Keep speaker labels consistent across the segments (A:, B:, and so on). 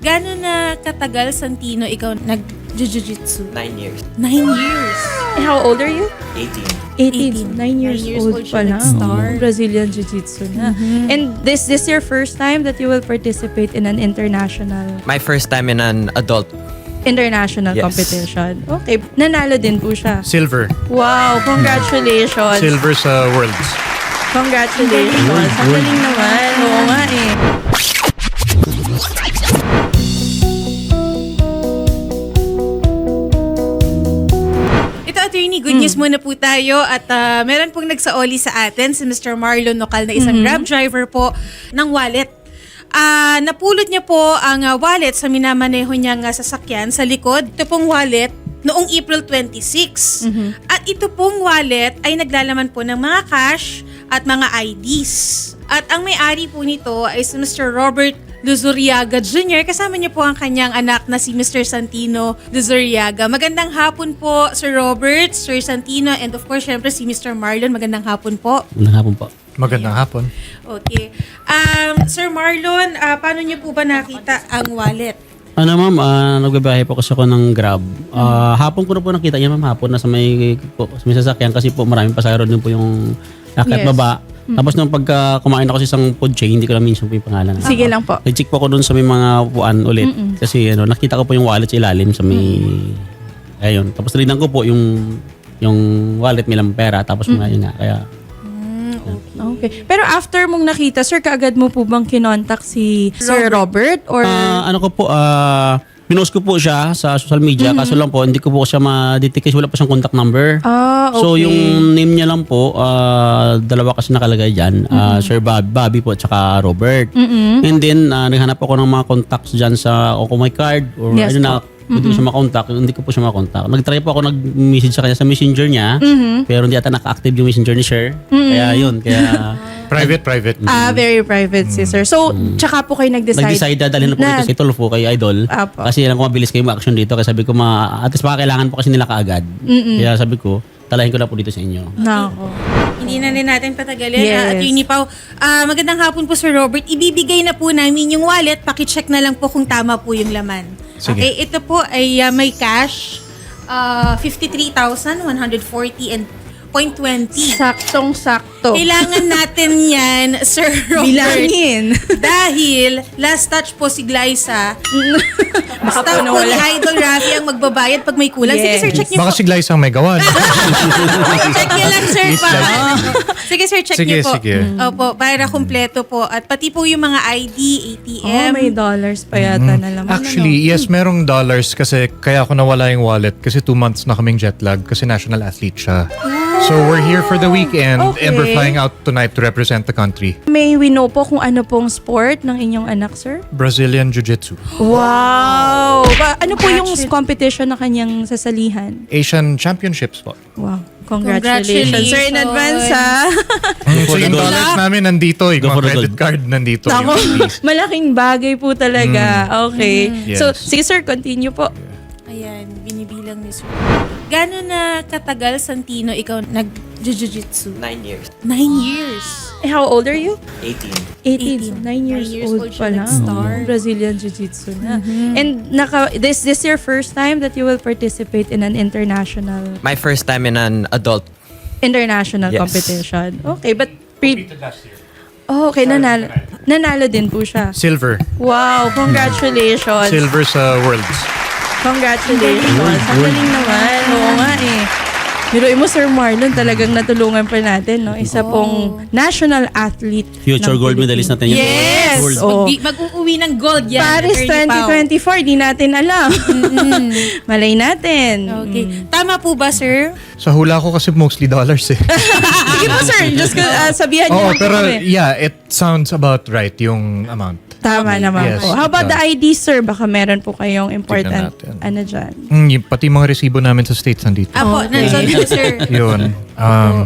A: Gano'n na katagal, Santino, ikaw nag-jiu-jitsu?
B: 9 years.
A: 9 years.
C: How old are you?
B: 18.
C: 18. 9 years old pa
A: siya
C: lang.
A: nag-start.
C: Brazilian Jiu-Jitsu na. And this your first time that you will participate in an international
B: My first time in an adult.
C: international
B: Yes.
C: competition? Okay. Nanalo din po siya.
D: Silver.
C: Wow. Congratulations.
D: Silver sa Worlds.
C: Congratulations. Ang galing naman. Oo nga eh.
A: Ito, attorney, good news muna po tayo at meron pong nagsaoli sa atin si Mr. Marlon Nocal na isang Grab driver po ng wallet. Napulot niya po ang wallet sa minamaneho niyang sasakyan sa likod. Ito pong wallet noong April 26. At ito pong wallet ay naglalaman po ng mga cash at mga IDs. At ang may-ari po nito ay si Mr. Robert Luzuriaga Jr. Kasama niya po ang kanyang anak na si Mr. Santino Luzuriaga. Magandang hapon po, Sir Robert, Sir Santino, and of course, syempre si Mr. Marlon. Magandang hapon po.
E: Magandang hapon po.
D: Magandang hapon.
A: Okay. Sir Marlon, paano niyo po ba nakita ang wallet?
E: Ano ma'am, nagbabiyahe po kasi ako ng Grab. Hapon ko na po nakita yan ma'am, hapon na sa may sasakyan kasi po maraming pasahero din po yung akit
C: Yes.
E: baba. Tapos nung pagka kumain ako sa isang food chain, hindi ko na minsan po yung pangalan.
C: Sige lang po.
E: Nag-check po ako dun sa may mga upuan ulit. Kasi nakita ko po yung wallet sa ilalim sa may... Ayun. Tapos tinignan ko po yung wallet, may lang pera. Tapos mga yun nga. Kaya...
C: Okay. Pero after mong nakita, sir, kaagad mo po bang kinontak si Sir Robert? Or
E: ano ko po, pinost ko po siya sa social media. Kaso lang po, hindi ko po siya ma-detect kasi wala pa siyang contact number.
C: okay.
E: So yung name niya lang po, dalawa kasi nakalagay dyan. Sir Bobby po at saka Robert. And then, naghanap ako ng mga contacts dyan sa o kung may card or
C: Yes
E: ano na, hindi ko siya makontak. Hindi ko po siya makontak. Nag-try po ako nag-message sa kanya sa messenger niya. Pero hindi ata naka-active yung messenger ni Sir. Kaya yun. Kaya
D: Private.
C: very private si sir. So, tsaka po kayo
E: nag-decide dalhin na po dito si Tulfo kay Idol.
C: Apo.
E: Kasi alam ko mabilis kayo ma-action dito. Kaya sabi ko, at least baka kailangan po kasi nila kaagad. Kaya sabi ko, talahin ko na po dito sa inyo.
C: Nako.
A: Hindi na rin natin patagalin.
C: Yes.
A: Attorney Pao, magandang hapon po, Sir Robert. Ibibigay na po namin yung wallet. Pakicheck na lang po kung tama po yung laman.
D: Sige.
A: Okay, ito po ay may cash, 53,140 and 0.20.
C: Saktong-sakto.
A: Kailangan natin yan, Sir Robert.
C: Bilangin.
A: Dahil last touch po si Glyza.
C: Baka
A: Basta
C: po
A: po ni
C: nawala.
A: Idol Rafi ang magbabayad pag may kulang. Sige,
C: Yes.
A: sir, check niyo
D: Baka
A: po.
D: si Glyce ang may gawa.
A: Check niyo lang, sir. Pa. Sige, sir, check
D: Sige,
A: niyo po.
D: sige.
A: Opo, para kumpleto po. At pati po yung mga ID, ATM.
C: May dollars pa yata na laman.
D: Actually, yes, merong dollars kasi kaya ako nawala yung wallet kasi 2 months na kaming jet lag kasi national athlete siya. So we're here for the weekend and we're
C: Okay.
D: flying out tonight to represent the country.
C: May we know po kung ano pong sport ng inyong anak, sir?
D: Brazilian Jiu-Jitsu.
C: Wow! Ano po yung competition na kanyang sasalihan?
D: Asian Championships po.
C: Wow. Congratulations. Sir, in advance, ha?
D: So yung dollars namin nandito, yung
E: Go for
D: mga
E: the
D: credit
E: gold.
D: card nandito.
C: Ako,
D: Yung fees.
C: malaking bagay po talaga. Okay.
D: Yes.
C: So, sige sir, continue po.
A: Ayan, binibilang ni Sir. Gano'n na katagal, Santino, ikaw nag-jiu-jitsu?
B: 9 years.
A: 9 years.
C: How old are you?
A: 18.
C: 18. 9 years, old pa
A: siya
C: lang.
A: nag-start.
C: Brazilian Jiu-Jitsu na. And this your first time that you will participate in an international
B: My first time in an adult.
C: Yes. competition? Okay, but okay, nanalo din po siya.
D: Silver.
C: Wow, congratulations.
D: Silver sa Worlds.
C: Congratulations. Ang galing naman. Oo nga eh. Biruin mo, Sir Marlon, talagang natulungan pa natin, no? Isa pong national athlete.
E: Future
C: ng
E: gold
C: Philippines.
E: medalist natin yun.
C: Yes!
E: Gold.
C: Oh.
A: Mag-uuwi ng gold yan.
C: Paris
A: Attorney Pao.
C: 2024, di natin alam. Malay natin.
A: Okay. Tama po ba, sir?
D: Sa hula ko kasi mostly dollars eh.
C: Sige po, sir. Just sabihan niyo
D: Oo,
C: lang po
D: pero
C: kami.
D: yeah, it sounds about right yung amount.
C: Tama naman
D: Yes,
C: po. How about
D: it
C: the ID, sir? Baka meron po kayong important,
D: natin.
C: ano dyan.
D: Pati mga resibo namin sa States nandito.
A: Apo,
C: Okay.
A: nandito, sir.
D: Yun.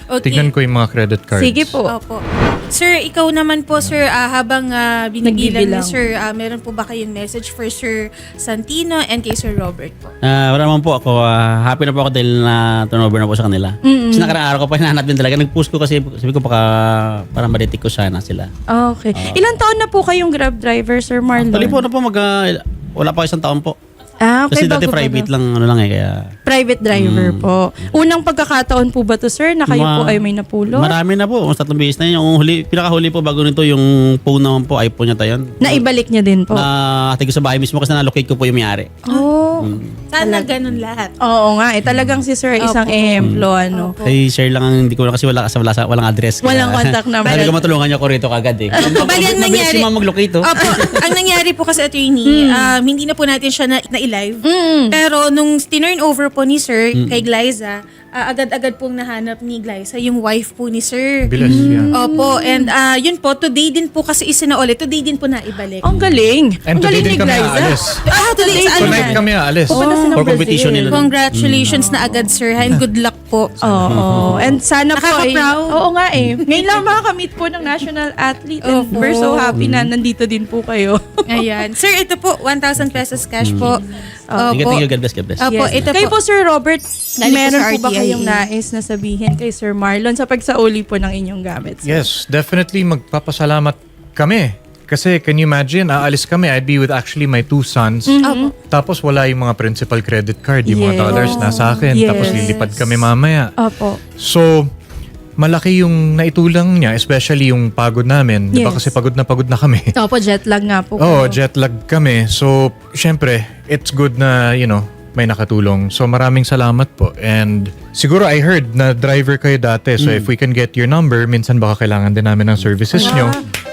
A: Okay.
D: Tignan ko yung mga credit cards.
C: Sige po.
A: Opo. Sir, ikaw naman po, sir, habang binibilang
C: Nagbibilang.
A: ni sir, meron po ba kayong message for Sir Santino and kay Sir Robert po?
E: Wala naman po ako. Happy na po ako dahil na turnover na po sa kanila. Kasi nakarang araw ko pa hinahanap din talaga. Nag-post ko kasi sabi ko parang maditik ko sana sila.
C: Okay. Ilang taon na po kayong Grab driver, Sir Marlon?
E: Tuloy po na po wala pa isang taon po.
C: Okay,
E: Kasi dati
C: bago pa
E: private
C: daw.
E: lang kaya.
C: Private driver po. Unang pagkakataon po ba to, sir, na kayo po ay may napulot?
E: Marami na po. Mas 3 beses na yun. Yung pinakahuli po bago nito yung phone naman po, iPhone niya tayo.
C: Naibalik niya din po.
E: Hati ko sa bahay mismo kasi na-locate ko po yung may-ari.
C: Oh.
A: Sana ganun lahat.
C: Oo nga, talagang si sir ay isang
A: Opo.
C: ehemplo, ano.
E: Ay, share lang ang hindi ko na kasi walang address.
C: Walang contact number.
E: Sabi ko matulungan niyo ako rito kagad eh.
A: Bali, ang
E: Mabilis
A: nangyari-
E: si ma'am mag-locate oh.
A: Opo, ang nangyari po kasi attorney, hindi na po natin siya na-live. Pero nung tinurn over po ni Sir kay Glyza, agad-agad pong nahanap ni Glyza yung wife po ni Sir.
D: Bilis, yeah.
A: Opo, and yun po, today din po kasi isinaulit. Today din po naibalik.
C: Ang galing.
D: And
C: Ang
D: today
C: galing
D: din
C: ni
D: kami
C: Glyza.
D: aalis.
A: Today is ano
D: Tonight
A: na?
D: kami aalis.
C: Pupunta sila ng
E: For
C: Brazil.
E: competition nila.
A: Congratulations na agad, Sir, and good luck po.
C: Oo. And sana po ay...
A: Nakaka-proud.
C: Oo nga eh. Ngayon lang makakamit po ng national athlete. And
A: Opo.
C: we're so happy na nandito din po kayo.
A: Ayan. Sir, ito po, 1,000 pesos cash po.
E: Thank you, God bless, God bless.
A: Opo, ito
C: Kayo po,
A: po.
C: Sir Robert,
A: Galing po
C: meron
A: sa
C: po ba
A: RTIA.
C: kayong nais na sabihin kay Sir Marlon sa pagsauli po ng inyong gamit? Sir?
D: Yes, definitely magpapasalamat kami. Kasi can you imagine, aalis kami, I'd be with actually my 2 sons. Tapos wala yung mga principal credit card, yung mga
C: Yes.
D: dollars nasa akin.
C: Yes.
D: Tapos lilipad kami mamaya.
C: Opo.
D: So, malaki yung naitulang niya, especially yung pagod namin. Di ba
C: Yes.
D: kasi pagod na kami.
C: Opo, jet lag nga po.
D: Oo,
C: kayo.
D: jet lag kami. So, syempre, it's good na, may nakatulong. So, maraming salamat po. And siguro I heard na driver kayo dati. So, if we can get your number, minsan baka kailangan din namin ng services nyo.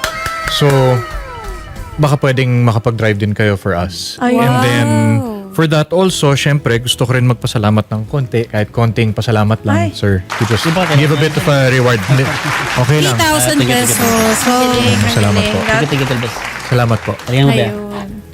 D: So, baka pwedeng makapag-drive din kayo for us.
C: Ay,
D: And
C: wow.
D: then, for that also, syempre, gusto ko rin magpasalamat ng konti. Kahit konting pasalamat lang,
C: Ay.
D: sir. To just give a bit of a reward. Hindi, okay lang.
A: 3,000
E: Thank you,
A: pesos. So,
D: Salamat po.
E: Thank you, God bless.
D: Salamat po.
E: Talagang mo ba?
A: ayun.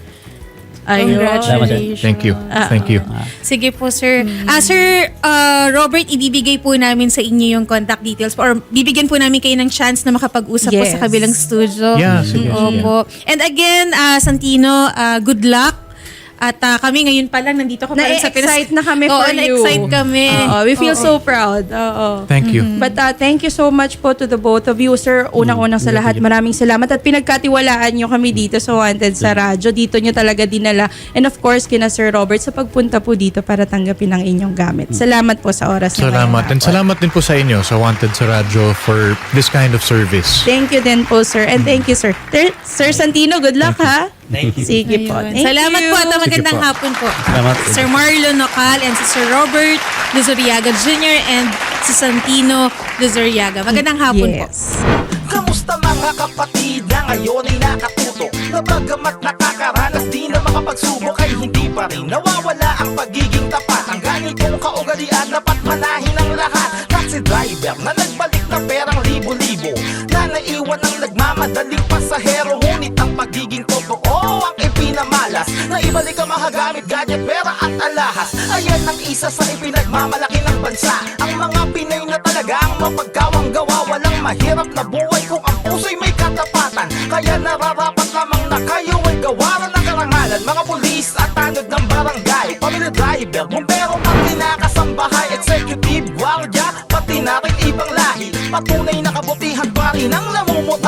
C: Ayun.
A: Congratulations.
D: Thank you. Thank you.
A: Sige po, sir. Sir Robert, ibibigay po namin sa inyo yung contact details po, or bibigyan po namin kayo ng chance na makapag-usap po
C: Yes.
A: sa kabilang studio.
D: Yeah, sige, sige.
A: Opo. And again, Santino, good luck. At kami ngayon pa lang, nandito ka pa lang sa Pinas.
C: Na-excite na kami
A: Oo,
C: for you.
A: na-excite kami.
C: Oo, we feel
A: Oo.
C: so proud. Oo.
D: Thank you.
C: But thank you so much po to the both of you, sir. Unang-unang sa lahat, maraming salamat. At pinagkatiwalaan nyo kami dito sa Wanted sa radyo. Dito nyo talaga dinala. And of course, kina Sir Robert sa pagpunta po dito para tanggapin ang inyong gamit. Salamat po sa oras na
D: Salamat.
C: ngayon.
D: And salamat din po sa inyo, sa Wanted sa Radyo, for this kind of service.
C: Thank you din po, sir. And thank you, sir. Sir Santino, good luck, ha?
E: Thank you.
C: Sige po.
A: Ayun.
C: Thank
A: Salamat
C: you.
A: po at magandang
D: Sige po.
A: hapon po.
E: Salamat.
A: Sir Marlon Nocal and si Sir Robert Luzuriaga Jr. and si Santino Luzuriaga. Magandang hapon po.
C: Yes.
F: Kamusta mga kapatid na ngayon ay nakatuto na bagamat nakakaranas di na makapagsubok ay hindi pa rin nawawala ang pagiging tapat. Ang ganitong kaugalian dapat manahin ang lahat. Taxi driver na nagbalik na perang libo-libo na naiwan ang nagmamadaling pasahero. Ngunit ang pagiging totoo ang ipinamalas na ibalik ang mahagamit, gadget, pera at alahas. Ayan ang isa sa ipinagmamalaki ng bansa. Ang mga Pinay na talaga ang mapagkawang gawa. Walang mahirap na buhay kung ang puso'y may katapatan. Kaya nararapat lamang na kayo ay gawaran ng karangalan. Mga pulis at tanod ng barangay, pamilya driver, bumbero, pati nakasambahay, executive, guardia, pati na rin ibang lahi. Patunay na kabutihan pa rin ang namumuta.